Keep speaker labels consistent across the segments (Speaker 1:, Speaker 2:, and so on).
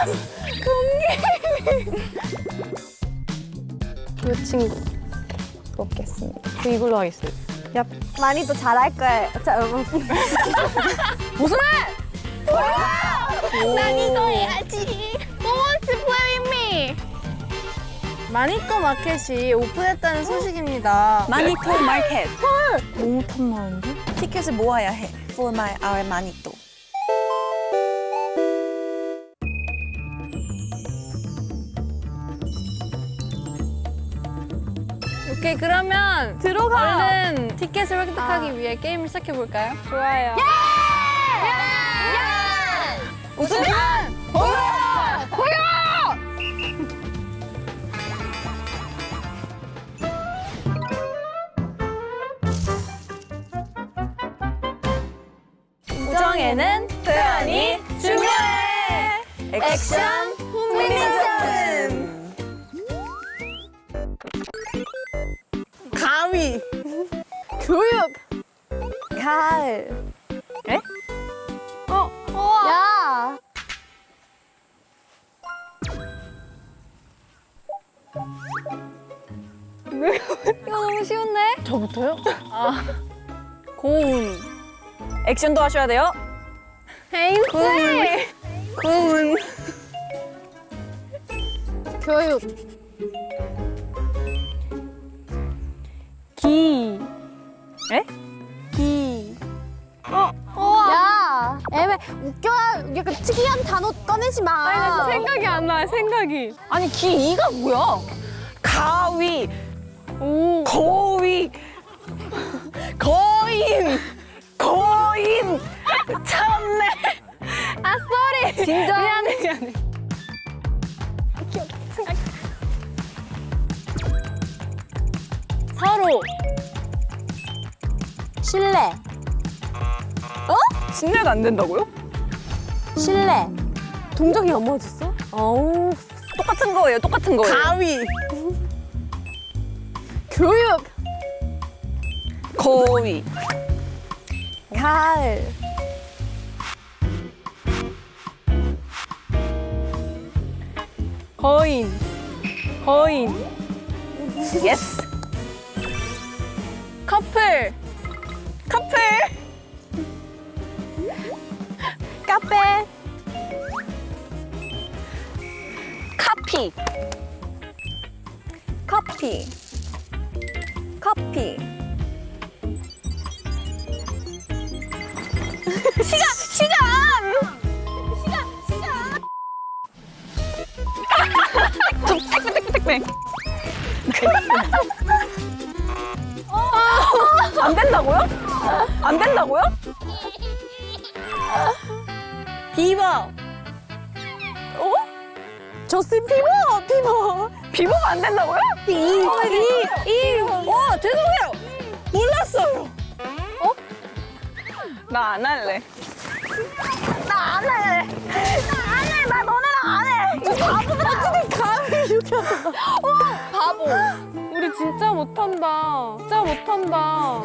Speaker 1: 이 친구 먹겠습니다. 저 이걸로 하겠어요. 얍.
Speaker 2: 많이 또 잘할 거예요. 자,
Speaker 1: 무슨 말?
Speaker 2: 난 이거 해야지.
Speaker 1: Who wants to play with me? 마니또 마켓이 오픈했다는 소식입니다.
Speaker 3: 마니또 마켓.
Speaker 1: 너무 탐나는데?
Speaker 3: 티켓을 모아야 해. For our 마니또.
Speaker 1: 오케이, 그러면
Speaker 2: 들어가.
Speaker 1: 얼른 티켓을 획득하기 위해 게임을 시작해 볼까요? 좋아요.
Speaker 3: 무슨
Speaker 1: 우정에는 표현이 중요해. 액션
Speaker 3: 후미니즘.
Speaker 1: 가위. 교육.
Speaker 2: 가을.
Speaker 3: 에?
Speaker 2: 야.
Speaker 1: 이거 너무 쉬운데? 저부터요? 고운.
Speaker 3: 액션도 하셔야 돼요.
Speaker 1: 헤인스.
Speaker 3: 군.
Speaker 1: 교육. 기.
Speaker 3: 에?
Speaker 1: 기.
Speaker 2: 야. 애매 웃겨. 약간 특이한 단어 꺼내지 마.
Speaker 1: 아니, 나 진짜 생각이 안 나, 생각이.
Speaker 3: 아니 기이가 뭐야? 가위,
Speaker 1: 오.
Speaker 3: 거위, 거인, 거인. 참네.
Speaker 1: 아, 쏘리.
Speaker 2: 진짜?
Speaker 1: 미안해, 미안해. 서로.
Speaker 2: 신뢰.
Speaker 3: 신뢰가 안 된다고요?
Speaker 2: 신뢰. 동정이 안 맞았어? 어우.
Speaker 3: 똑같은 거예요. 똑같은 거예요.
Speaker 1: 가위.
Speaker 2: 교육.
Speaker 3: 거위,
Speaker 2: 가을.
Speaker 1: 거인. 거인.
Speaker 3: 예스.
Speaker 1: 커플.
Speaker 3: 커플,
Speaker 2: 카페.
Speaker 3: 카피,
Speaker 2: 커피. 커피.
Speaker 3: 택배. 안 된다고요? 안 된다고요?
Speaker 1: 비버.
Speaker 2: 저스틴 비버. 비버.
Speaker 3: 비보가 안 된다고요?
Speaker 1: 죄송해요. 몰랐어요.
Speaker 3: 나 안 할래.
Speaker 2: 나 너네랑 안 해. 어떻게 가을 이렇게 한다.
Speaker 1: 바보. 우리 진짜 못한다. 진짜 못한다.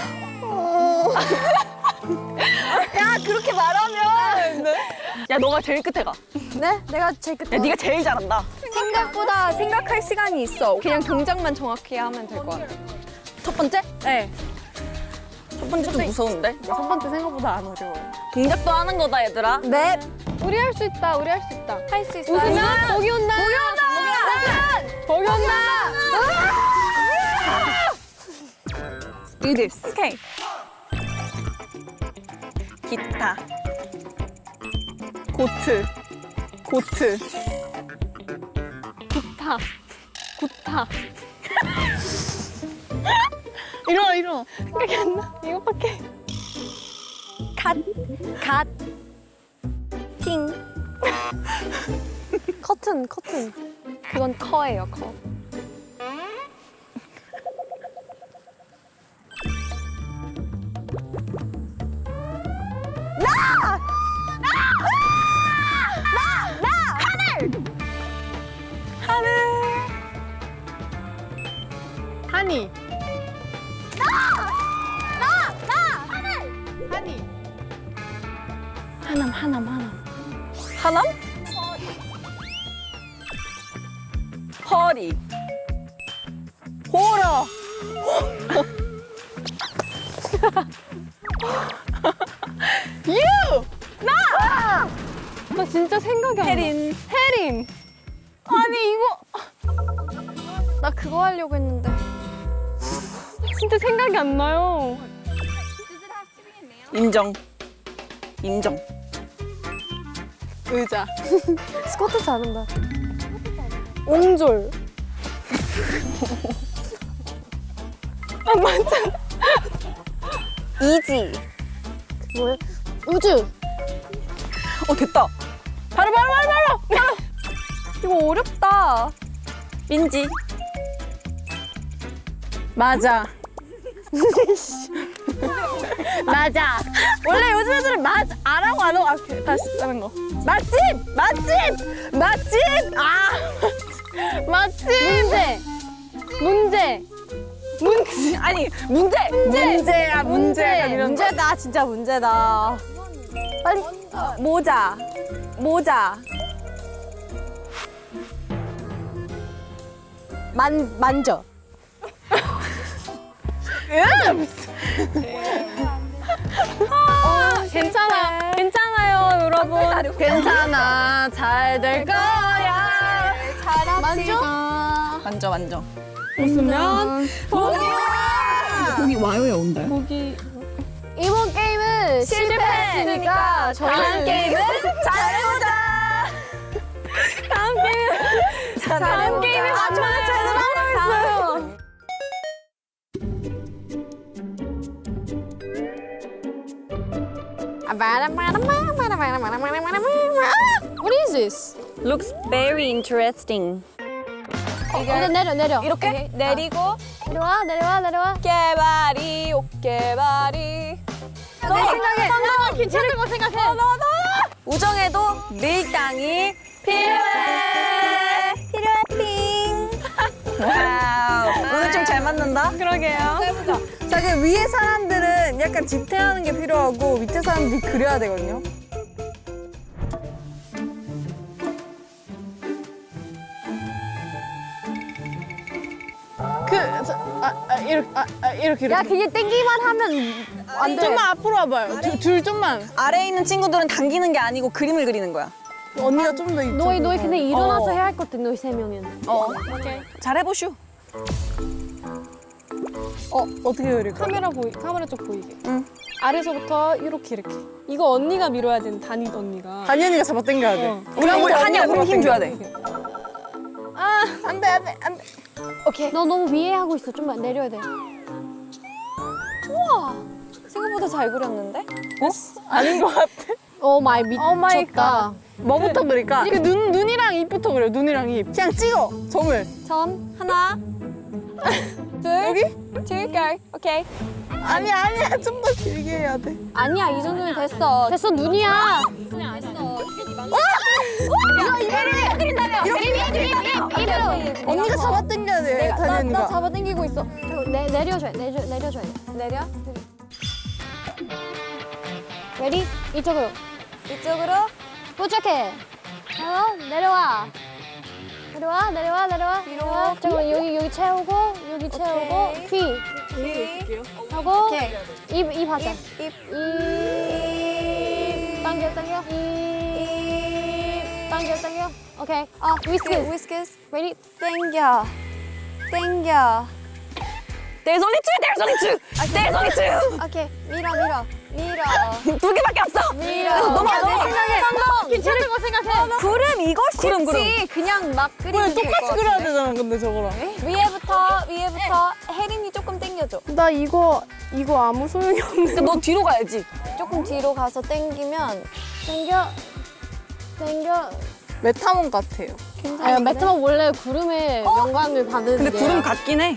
Speaker 2: 야, 그렇게 말하면.
Speaker 3: 야, 너가 제일 끝에 가.
Speaker 2: 네? 내가 제일 끝에.
Speaker 3: 야, 네가 제일 잘한다.
Speaker 1: 생각보다 생각할 시간이 있어. 그냥 동작만 정확히 하면 될 것 같아.
Speaker 3: 첫 번째?
Speaker 1: 네.
Speaker 3: 첫 번째 좀 무서운데?
Speaker 1: 첫 번째 생각보다 안 어려워요.
Speaker 3: 동작도 하는 거다, 얘들아.
Speaker 2: 네.
Speaker 1: 우리 할 수 있다. 우리 할 수 있다. 할 수 있어.
Speaker 3: 웃으면
Speaker 1: 거기 온다. 거기 온다.
Speaker 3: Do this. 오케이. 기타. 고트. 고트.
Speaker 1: 구타. 구타.
Speaker 3: 일어나.
Speaker 1: 생각이 안 나. 이거밖에.
Speaker 2: 갓. 팅. 커튼.
Speaker 1: 그건 커예요. 커. 하니. 하니.
Speaker 3: 하남? 허리. 호러. 유.
Speaker 2: 나 진짜 생각이 안 나.
Speaker 3: 혜린.
Speaker 1: 혜린. 아니 이거
Speaker 2: 나 그거 하려고 했는데.
Speaker 1: 진짜 생각이 안 나요.
Speaker 3: 인정. 인정.
Speaker 1: 의자.
Speaker 2: 스쿼트 잘한다.
Speaker 1: 옹졸. 아 맞아.
Speaker 3: 이지.
Speaker 2: 뭐야? 우주.
Speaker 3: 됐다.
Speaker 1: 바로. 이거 어렵다.
Speaker 3: 민지.
Speaker 1: 맞아. 맞아. 원래 요즘 애들은 맞아. 안하고 안 하고. 다시 다른 거. 맛집. 아. 맛집.
Speaker 2: 문제.
Speaker 3: 아니 문제야 문제.
Speaker 2: 문제다, 진짜 문제다. 빨리.
Speaker 3: 모자.
Speaker 2: 만져.
Speaker 1: 괜찮아요, 여러분. 괜찮아. 잘 될 거야.
Speaker 2: 만져.
Speaker 1: 웃으면
Speaker 3: 거기 와요야 온다요?
Speaker 2: 이번 게임은 실패했으니까
Speaker 1: 다음 게임은 잘해보자. 다음 게임에 맞춰야 제대로 하고 있어요.
Speaker 2: What is this?
Speaker 3: Looks very interesting.
Speaker 2: 내려.
Speaker 3: 이렇게 내리고
Speaker 2: 내려와.
Speaker 3: 깨바리 오깨바리.
Speaker 2: 내 생각에 괜찮은 거 생각해.
Speaker 3: 우정에도 밀당이 필요해. 핑. 와우. 오늘 좀 잘 맞는다.
Speaker 1: 그러게요. 자, 그 위에 사람들은 약간 지탱하는 게 필요하고 밑에 사람들이 그려야 되거든요. 이렇게.
Speaker 2: 야, 그게 땡기만 하면 안 돼.
Speaker 1: 좀만 앞으로 와봐요. 둘 좀만.
Speaker 3: 아래에 있는 친구들은 당기는 게 아니고 그림을 그리는 거야.
Speaker 1: 언니가 좀 더 이쪽.
Speaker 2: 너희 근데 일어나서 해야 할 것들 너희 3명은.
Speaker 3: 잘 해보슈.
Speaker 1: 어떻게 그릴까?
Speaker 4: 카메라 쪽 보이게.
Speaker 3: 응.
Speaker 4: 아래서부터 이렇게. 이거 언니가 밀어야 되는 단위 언니가.
Speaker 1: 단이 언니가 잡아 당겨야 돼.
Speaker 3: 우리 한이야 그럼 힘 줘야 돼.
Speaker 1: 안 돼.
Speaker 2: 오케이. 너 너무 위에 하고 있어. 좀만 내려야 돼.
Speaker 3: 생각보다 잘 그렸는데?
Speaker 1: 아닌 것 같아.
Speaker 2: 오 마이 미쳤다.
Speaker 1: 뭐부터 그릴까? 그 눈이랑 입부터 그려. 눈이랑 입. 그냥 찍어. 점을.
Speaker 3: 점 하나 둘
Speaker 1: 여기?
Speaker 3: 둘 오케이.
Speaker 1: 아니야. 좀 더 길게 해야 돼.
Speaker 3: 아니야 이 정도면 됐어.
Speaker 2: 됐어, 눈이야. 입으로.
Speaker 1: 언니가 잡아 당겨야 돼. 단이 언니가.
Speaker 2: 나 잡아당기고 있어. 내려줘야 돼.
Speaker 3: 내려
Speaker 2: 레디? 이쪽으로.
Speaker 3: 이쪽으로.
Speaker 2: 도착해. 내려와.
Speaker 3: 뒤로.
Speaker 2: 잠깐만, 여기 채우고, 여기 채우고, 귀. 하고, 입 하자.
Speaker 3: 입.
Speaker 2: 당겨. 입. 당겨. 오케이. 위스키스. 레디?
Speaker 3: 땡겨. There's only two.
Speaker 2: 오케이. 밀어.
Speaker 3: 두 개밖에 없어. 넘어가.
Speaker 2: 성공! 괜찮은 거 생각해.
Speaker 3: 구름 이거 쉽지.
Speaker 2: 구름.
Speaker 3: 그냥 막
Speaker 1: 왜
Speaker 3: 그리면 될것
Speaker 1: 똑같이 그려야
Speaker 3: 같은데?
Speaker 1: 되잖아, 근데 저거랑.
Speaker 3: 위에부터 혜린이 조금 당겨줘.
Speaker 4: 나 이거 아무 소용이 없는데.
Speaker 3: 너 뒤로 가야지.
Speaker 2: 조금 뒤로 가서 당기면 당겨.
Speaker 1: 메타몬 같아요.
Speaker 2: 아, 메타몬 원래 구름의 영광을 받는.
Speaker 3: 근데 구름 같긴 해.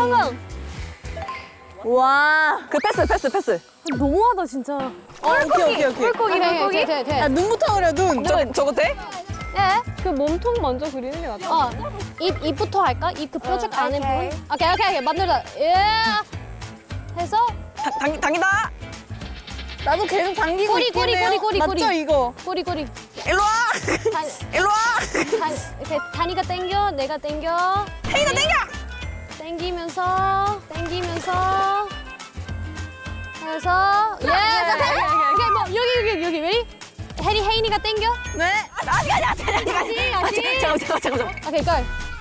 Speaker 1: 와.
Speaker 3: 그 패스.
Speaker 2: 너무하다 진짜.
Speaker 1: 오케이.
Speaker 2: 물고기. 돼.
Speaker 1: 야, 눈부터 그려, 눈.
Speaker 3: 저거 돼?
Speaker 2: 예?
Speaker 4: 그 몸통 먼저 그리는 게 낫다.
Speaker 2: 입부터 할까? 입 그 뾰족 안에
Speaker 3: 오케이.
Speaker 2: 부분? 오케이. 만들자. 예. 해서
Speaker 3: 당기다.
Speaker 1: 나도 계속 당기고
Speaker 2: 꼬리,
Speaker 1: 있긴
Speaker 2: 꼬리,
Speaker 1: 해요.
Speaker 2: 꼬리.
Speaker 1: 맞죠, 이거?
Speaker 2: 꼬리.
Speaker 3: 일로 와.
Speaker 2: 단,
Speaker 3: 일로 와.
Speaker 2: 이렇게 단이가 당겨, 내가 당겨.
Speaker 3: 혜인아 땡겨.
Speaker 2: 당기면서 해서 예, 오케이 뭐 여기 메리 해리 혜인이가 당겨.
Speaker 1: 네.
Speaker 2: 아직.
Speaker 3: 잠깐만.
Speaker 2: 오케이 걸.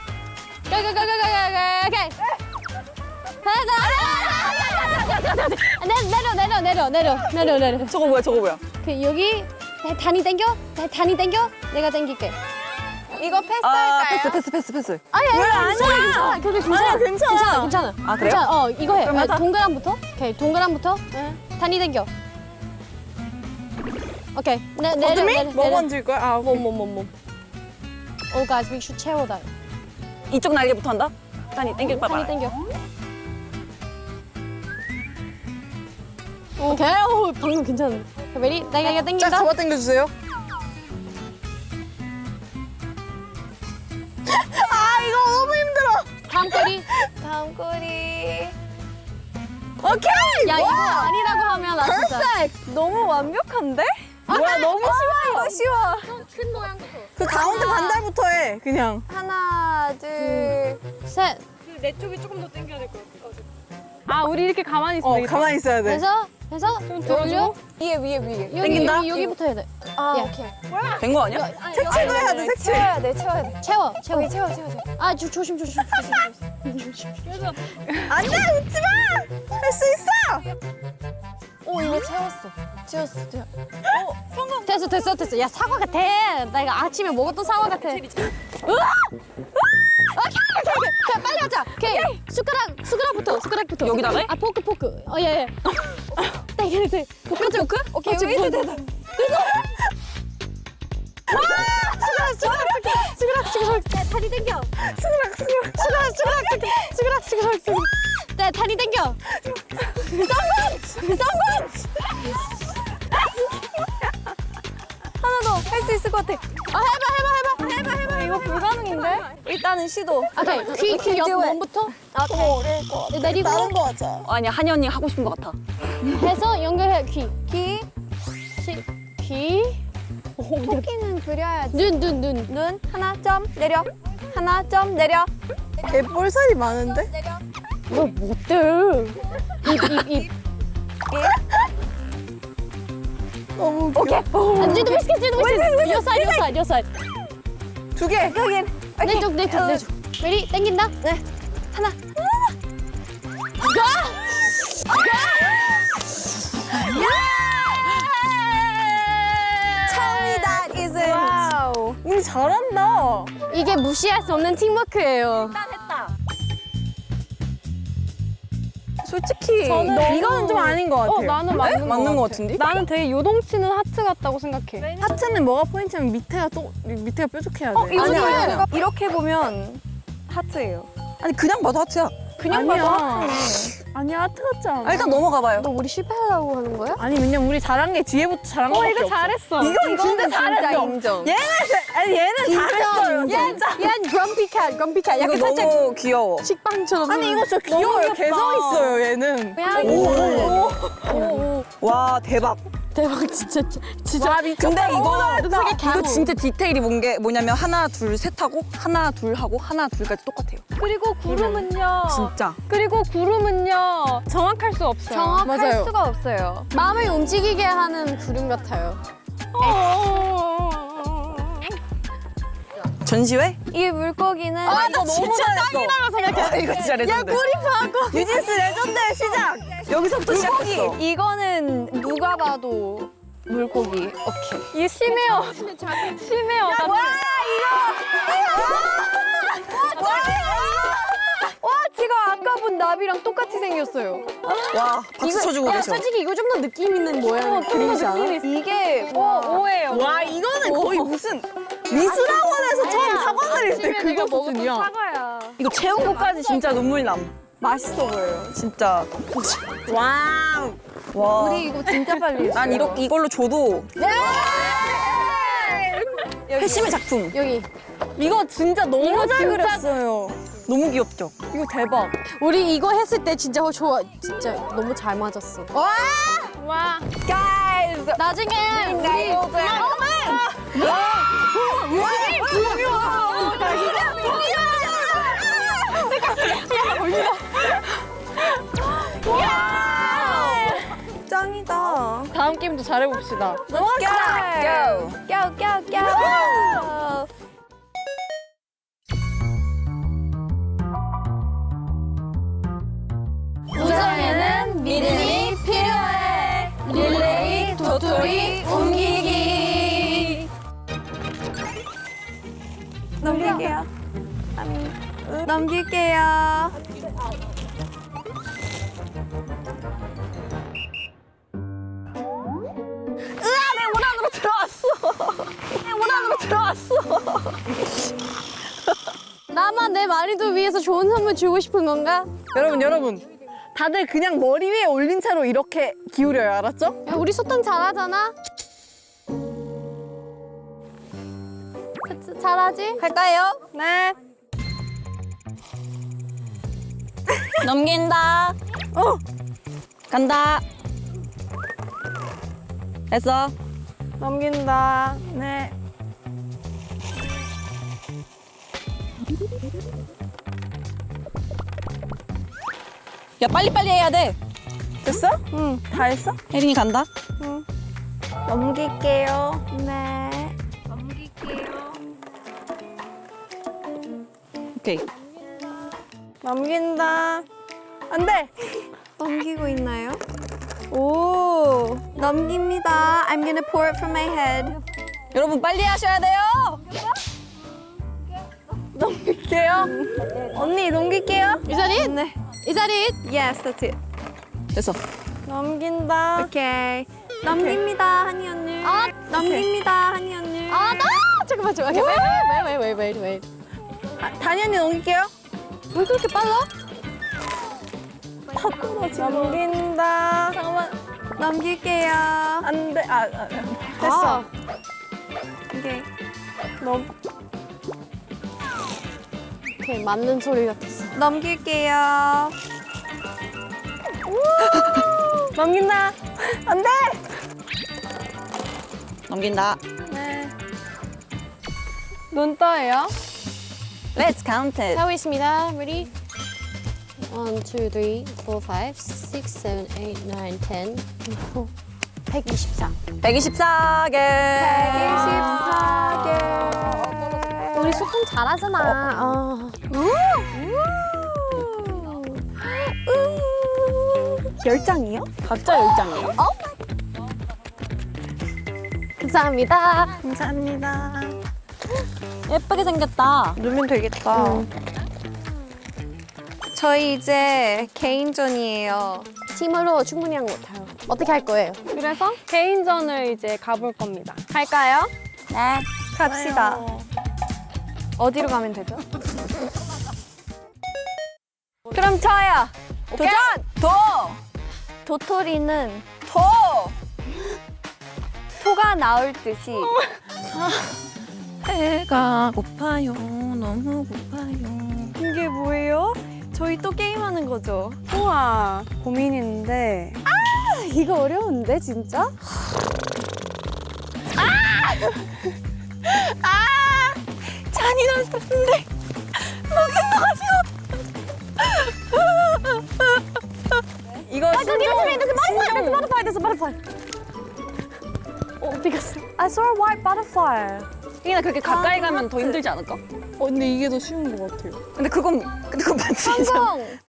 Speaker 2: 오케이. 내려.
Speaker 3: 저거 뭐야?
Speaker 2: 그 여기 단이 당겨, 내가 당길게.
Speaker 1: 이거 패스할까요?
Speaker 3: 패스.
Speaker 2: 아니 괜찮아. 그게
Speaker 1: 아니야, 괜찮아.
Speaker 2: 괜찮아.
Speaker 3: 아, 그래요?
Speaker 2: 괜찮아. 이거 해.
Speaker 3: 그럼 하자.
Speaker 2: 동그란부터. 오케이, 동그란부터. 단이 당겨. 오케이. 내려.
Speaker 1: 어둠이? 뭐 만질 거야? 아, 오케이.
Speaker 2: 몸. Oh guys, we should 채워 that.
Speaker 3: 이쪽 날개부터 한다. 단이 땡길
Speaker 2: 단이
Speaker 3: 봐봐.
Speaker 2: 당겨. 오케이. 오, 방금 괜찮은데. 메리, 내가
Speaker 1: 짝
Speaker 2: 당긴다.
Speaker 1: 잡아 당겨주세요. 아, 이거 너무 힘들어.
Speaker 2: 다음 꼬리.
Speaker 1: 오케이!
Speaker 2: 야, 이거 아니라고 하면 나 진짜.
Speaker 3: 너무 완벽한데?
Speaker 1: 뭐야, 너무 쉬워, 이거 쉬워.
Speaker 2: 큰 모양부터.
Speaker 1: 그 가운데 반달부터 해, 그냥.
Speaker 3: 하나, 둘.
Speaker 2: 셋.
Speaker 4: 내 쪽이 조금 더 당겨야 될 것 같아. 아, 우리 이렇게 가만히 있어.
Speaker 1: 가만히 있어야 돼.
Speaker 2: 해서 돌려.
Speaker 3: 위에.
Speaker 2: 여기 여기부터 해야 돼.
Speaker 3: 아,
Speaker 2: 예.
Speaker 3: 오케이. 된 거 아니야?
Speaker 1: 색칠도 해야 돼, 색칠.
Speaker 3: 채워야 돼.
Speaker 2: 채워.
Speaker 3: 채워.
Speaker 2: 아, 조심.
Speaker 1: 안 돼, 웃지 마! 할 수 있어!
Speaker 3: 오, 이거 채웠어.
Speaker 2: 됐어. 야, 사과 같아. 나 이거 아침에 먹었던 사과 같아. 으아! 오케이. 빨리 하자. 오케이. 숟가락부터.
Speaker 3: 여기다가 해?
Speaker 2: 아, 포크. 예. 네. 포크?
Speaker 3: 오케이,
Speaker 2: 됐다. 숟가락. 네, 다리 당겨. 숟가락. 네, 다리 당겨. 쌍권.
Speaker 3: 하나 더. 할 수 있을 것 같아.
Speaker 2: 해봐.
Speaker 3: 이거 불가능인데? 일단은 시도.
Speaker 2: 오케이. 귀 옆 몸부터.
Speaker 3: 오케이.
Speaker 2: 내리고
Speaker 1: 다른 거 하자.
Speaker 3: 아니야, 한이 언니 하고 싶은 것 같아.
Speaker 2: 해서 연결해. 귀.
Speaker 3: 토끼는 그려야지.
Speaker 2: 눈.
Speaker 3: 하나 점 내려.
Speaker 1: 얘 볼살이 많은데?
Speaker 2: 뭐 못돼. 입.
Speaker 1: 너무 귀여워.
Speaker 2: 안지도 비스킷. 요 사이드.
Speaker 1: 두 개.
Speaker 3: 여긴.
Speaker 2: 내 쪽. 메리 당긴다.
Speaker 3: 네. 하나. 처음이다, 이슬.
Speaker 1: 와우. 우리 잘한다.
Speaker 2: 이게 무시할 수 없는 팀워크예요.
Speaker 3: 했다. 솔직히
Speaker 1: 이거는 좀 아닌 것 같아요.
Speaker 4: 나는 맞는
Speaker 3: 것 같은데?
Speaker 4: 나는 되게 요동치는 하트 같다고 생각해.
Speaker 1: 하트는 뭐가 포인트냐면 밑에가 뾰족해야 돼.
Speaker 3: 아니야. 이렇게 보면 하트예요. 아니, 그냥 봐도 하트야.
Speaker 1: 아니야, 하트 같지 않아.
Speaker 3: 일단 넘어가봐요.
Speaker 2: 너 우리 실패하려고 하는 거야?
Speaker 1: 아니, 왜냐면 우리 잘한 게 뒤에부터 잘한 거밖에
Speaker 4: 이거
Speaker 1: 없어.
Speaker 4: 잘했어.
Speaker 1: 이건 진짜 잘했어.
Speaker 3: 인정.
Speaker 1: 얘는 잘했어요. 진짜.
Speaker 2: 얘 grumpy cat.
Speaker 3: 이거
Speaker 2: 약간 살짝
Speaker 3: 너무 귀여워.
Speaker 2: 식빵처럼.
Speaker 1: 아니, 이거 진짜 귀여워요. 개성 있어요, 얘는.
Speaker 3: 와, 대박.
Speaker 2: 대박 진짜.
Speaker 1: 와, 미쳤다.
Speaker 3: 근데
Speaker 2: 놈sak의
Speaker 3: 이거
Speaker 2: camel.
Speaker 3: 진짜 디테일이 뭐냐면 하나, 둘, 셋 하고 하나, 둘 하고 하나, 둘까지 똑같아요.
Speaker 4: 그리고 구름은요.
Speaker 3: 진짜.
Speaker 4: 정확할 수 없어요.
Speaker 2: 정확할
Speaker 1: 맞아요.
Speaker 2: 수가 없어요. 마음을 움직이게 하는 구름 같아요.
Speaker 3: 전시회?
Speaker 2: 이 물고기는
Speaker 3: 나 너무 짱이라고 생각해. 이거 진짜 레전드.
Speaker 1: 뉴진스 레전드의 시작.
Speaker 3: 여기서부터 시작했어.
Speaker 2: 이거는 누가 봐도 물고기. 오케이.
Speaker 4: 이게 심해요. 심해요.
Speaker 2: 와, 지금 아까 본 나비랑 똑같이 생겼어요.
Speaker 3: 와, 박수 쳐주고
Speaker 2: 야,
Speaker 3: 계셔.
Speaker 2: 솔직히 이거 좀 더 느낌 있는 모양 그림이지 않아?
Speaker 3: 이게
Speaker 4: 오해요.
Speaker 1: 와, 이거는 거의 무슨 미술학원에서 처음 사과 드릴 때 그거 수준이야.
Speaker 4: 사과야.
Speaker 3: 이거 채운 것까지 진짜 눈물 남. 맛있어 보여요. 진짜.
Speaker 1: 와우.
Speaker 3: 와.
Speaker 2: 우리 이거 진짜 빨리 했어요.
Speaker 3: 난 이걸로 줘도 회심의 작품.
Speaker 2: 여기.
Speaker 1: 이거 진짜 너무 잘 그렸어요.
Speaker 3: 너무 귀엽죠?
Speaker 1: 이거 대박.
Speaker 2: 우리 이거 했을 때 진짜 좋아. 진짜 너무 잘 맞았어.
Speaker 4: 와.
Speaker 2: 나중에 우리
Speaker 1: 짱이다.
Speaker 4: 다음 게임도 잘해봅시다.
Speaker 3: 고!
Speaker 2: 우정에는 믿음이 필요해. 릴레이 도토리 옮기기.
Speaker 1: 넘길게요. 넘길게요.
Speaker 2: 나만 내 마리도 위해서 좋은 선물 주고 싶은 건가?
Speaker 1: 여러분. 다들 그냥 머리 위에 올린 채로 이렇게 기울여요. 알았죠?
Speaker 2: 야, 우리 소통 잘하잖아. 그치, 잘하지?
Speaker 3: 할까요?
Speaker 1: 네.
Speaker 3: 넘긴다. 간다. 됐어.
Speaker 1: 넘긴다. 네.
Speaker 3: 야, 빨리빨리 해야 돼.
Speaker 1: 됐어? 응. 다 했어?
Speaker 3: 혜린이 간다.
Speaker 1: 넘길게요.
Speaker 2: 네.
Speaker 3: 오케이.
Speaker 1: 넘긴다. 안 돼.
Speaker 2: 넘기고 있나요?
Speaker 1: 오.
Speaker 2: 넘깁니다. I'm gonna pour it from my head.
Speaker 3: 여러분, 빨리 하셔야 돼요.
Speaker 1: 넘길게요. 언니, 넘길게요.
Speaker 2: Is that it?
Speaker 1: 네.
Speaker 2: Is that it?
Speaker 1: Yes, that's it.
Speaker 3: 됐어.
Speaker 1: 넘긴다.
Speaker 2: 오케이.
Speaker 1: 넘깁니다, 한이 언니.
Speaker 2: 아,
Speaker 1: 넘깁니다, 한이 언니.
Speaker 2: 나! 잠깐만. Wait.
Speaker 1: 다니 언니 넘길게요.
Speaker 2: 왜 그렇게 빨라?
Speaker 1: 다 떨어지고. 넘긴다. 잠깐만.
Speaker 2: 넘길게요.
Speaker 1: 안 돼. 됐어.
Speaker 2: 오케이.
Speaker 1: 오케이,
Speaker 2: 맞는 소리 같았어.
Speaker 1: 넘길게요. 넘긴다. 안 돼.
Speaker 3: 넘긴다.
Speaker 1: 네. 눈 떠요.
Speaker 3: Let's count it.
Speaker 2: 하고 있습니다. Ready? 1, 2, 3, 4, 5, 6, 7, 8, 9, 10, 124.
Speaker 3: 124개.
Speaker 1: 124개.
Speaker 2: 우리 소통 잘하잖아.
Speaker 1: 열장이요?
Speaker 3: 각자 10장이에요?
Speaker 2: 감사합니다.
Speaker 1: 감사합니다.
Speaker 3: 예쁘게 생겼다.
Speaker 1: 누면 되겠다.
Speaker 2: 저희 이제 개인전이에요. 팀으로 충분히 한 것 같아요. 어떻게 할 거예요?
Speaker 4: 그래서 개인전을 이제 가볼 겁니다.
Speaker 2: 할까요?
Speaker 3: 네.
Speaker 2: 갑시다. 어디로 가면 되죠?
Speaker 1: 그럼 저요.
Speaker 3: 도전! 도!
Speaker 2: 도토리는
Speaker 3: 도!
Speaker 2: 토가 나올 듯이
Speaker 3: 배가 고파요. 너무 고파요.
Speaker 1: 이게 뭐예요? 저희 또 게임하는 거죠?
Speaker 4: 우와, 고민인데.
Speaker 2: 이거 어려운데 진짜?
Speaker 3: 잔인한 소리인데.
Speaker 1: 이거
Speaker 2: butterfly. 어디 갔어?
Speaker 1: I saw a white butterfly.
Speaker 3: 혜린아, 그렇게 가까이 가면 더 힘들지 않을까?
Speaker 4: 근데 이게 더 쉬운 것 같아요.
Speaker 3: 근데 그건 맞지?
Speaker 2: 성공!